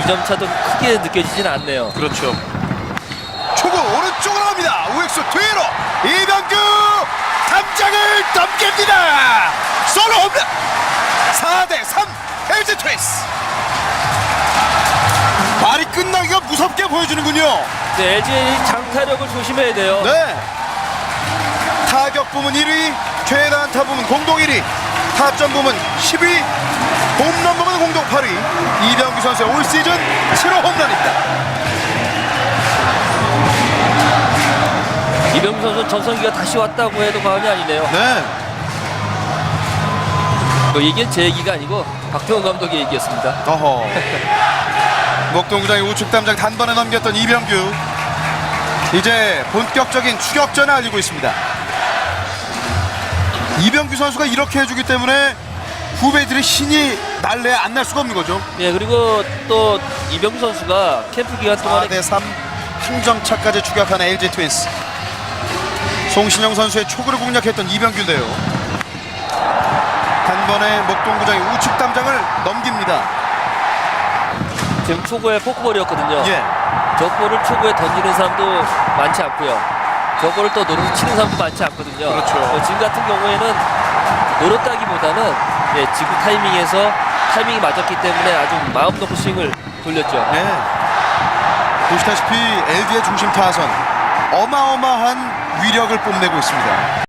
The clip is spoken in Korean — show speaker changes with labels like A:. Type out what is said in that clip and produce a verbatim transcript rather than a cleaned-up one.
A: 이 점 차도 크게 느껴지진 않네요.
B: 그렇죠. 초구 오른쪽으로 갑니다. 우익수 뒤로 이병규 담장을 넘깁니다. 솔로 홈런. 사 대 삼 엘지 트윈스. 말이 끝나기가 무섭게 보여주는군요.
A: 네, 엘지의 장타력을 조심해야 돼요.
B: 네. 타격 부문 일 위, 최다 안타 부문 공동 일 위, 타점 부문 십 위, 홈런 부문 공동 팔 위. 이병규 선수의 올 시즌 칠 호 홈런입니다.
A: 이병규 선수 전성기가 다시 왔다고 해도 과언이 아니네요.
B: 네.
A: 뭐 이게 제 얘기가 아니고 박태원 감독의 얘기였습니다.
B: 어허. 목동구장의 우측 담장 단번에 넘겼던 이병규. 이제 본격적인 추격전을 알리고 있습니다. 이병규 선수가 이렇게 해주기 때문에 후배들의 신이 날래 안 날 수가 없는 거죠.
A: 예, 그리고 또 이병규 선수가 캠프 기간
B: 사
A: 동안에
B: 대 삼 항정차까지 추격하는 엘지 트윈스. 송신영 선수의 초구를 공략했던 이병규인데요. 단번에 목동구장의 우측 담장을 넘깁니다.
A: 지금 초구에 포크볼이었거든요.
B: 예.
A: 저 볼을 초구에 던지는 사람도 많지 않고요. 저 볼을 또 노릇 치는 사람도 많지 않거든요.
B: 그렇죠.
A: 어, 지금 같은 경우에는 노릇다기보다는 예, 지구 타이밍에서 타이밍이 맞았기 때문에 아주 마음 놓고 스윙을 돌렸죠.
B: 네. 보시다시피 엘지의 중심 타선 어마어마한 위력을 뽐내고 있습니다.